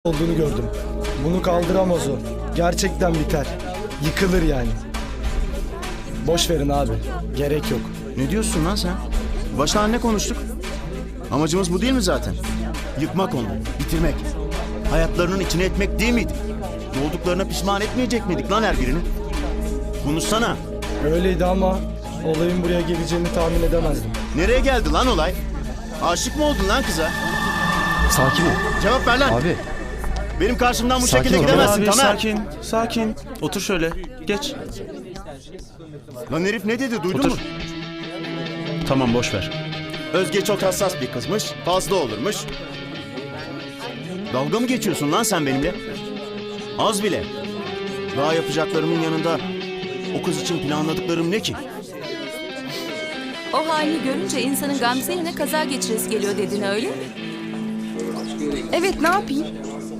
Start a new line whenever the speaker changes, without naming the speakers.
olduğunu gördüm. Bunu kaldıramaz o. Gerçekten biter. Yıkılır yani. Boş verin abi. Gerek yok.
Ne diyorsun lan sen? Baştan ne konuştuk? Amacımız bu değil mi zaten? Yıkmak onu, bitirmek. Hayatlarının içine etmek değil miydi? Olduklarına pişman etmeyecek miydik lan her birini? Konuşsana.
Öyleydi ama olayın buraya geleceğini tahmin edemezdim.
Nereye geldi lan olay? Aşık mı oldun lan kıza?
Sakin ol.
Cevap ver lan.
Abi.
Benim karşımdan bu
Sakin
şekilde
ol.
gidemezsin
Abi
Tamer.
sakin, sakin. Otur şöyle, geç.
Lan herif ne dedi duydun
Otur.
mu?
Tamam, boş ver.
Özge çok hassas bir kızmış, fazla olurmuş. Dalga mı geçiyorsun lan sen benimle? Az bile. Daha yapacaklarımın yanında o kız için planladıklarım ne ki?
O halini görünce insanın Gamze yerine kaza geçiresi geliyor dedin öyle mi?
Evet, ne yapayım?